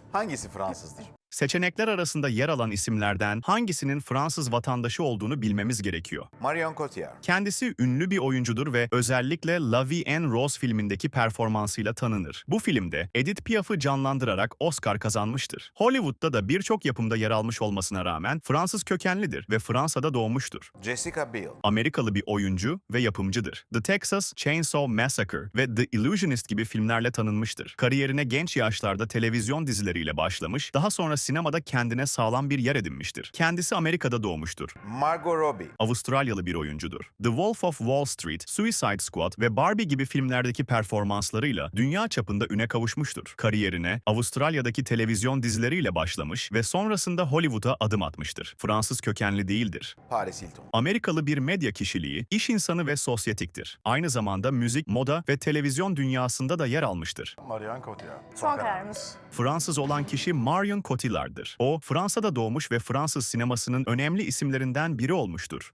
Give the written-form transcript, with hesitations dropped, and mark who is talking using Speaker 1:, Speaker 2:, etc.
Speaker 1: Hangisi Fransızdır?
Speaker 2: Seçenekler arasında yer alan isimlerden hangisinin Fransız vatandaşı olduğunu bilmemiz gerekiyor.
Speaker 1: Marion Cotillard.
Speaker 2: Kendisi ünlü bir oyuncudur ve özellikle La Vie en Rose filmindeki performansıyla tanınır. Bu filmde Edith Piaf'ı canlandırarak Oscar kazanmıştır. Hollywood'da da birçok yapımda yer almış olmasına rağmen Fransız kökenlidir ve Fransa'da doğmuştur.
Speaker 1: Jessica Biel.
Speaker 2: Amerikalı bir oyuncu ve yapımcıdır. The Texas Chainsaw Massacre ve The Illusionist gibi filmlerle tanınmıştır. Kariyerine genç yaşlarda televizyon dizileriyle başlamış, daha sonra sinemada kendine sağlam bir yer edinmiştir. Kendisi Amerika'da doğmuştur.
Speaker 1: Margot Robbie.
Speaker 2: Avustralyalı bir oyuncudur. The Wolf of Wall Street, Suicide Squad ve Barbie gibi filmlerdeki performanslarıyla dünya çapında üne kavuşmuştur. Kariyerine Avustralya'daki televizyon dizileriyle başlamış ve sonrasında Hollywood'a adım atmıştır. Fransız kökenli değildir.
Speaker 1: Paris Hilton.
Speaker 2: Amerikalı bir medya kişiliği, iş insanı ve sosyetiktir. Aynı zamanda müzik, moda ve televizyon dünyasında da yer almıştır.
Speaker 3: Marion Cotillard.
Speaker 4: Son kararımız.
Speaker 2: Fransız olan kişi Marion Cotillard'dır. O, Fransa'da doğmuş ve Fransız sinemasının önemli isimlerinden biri olmuştur.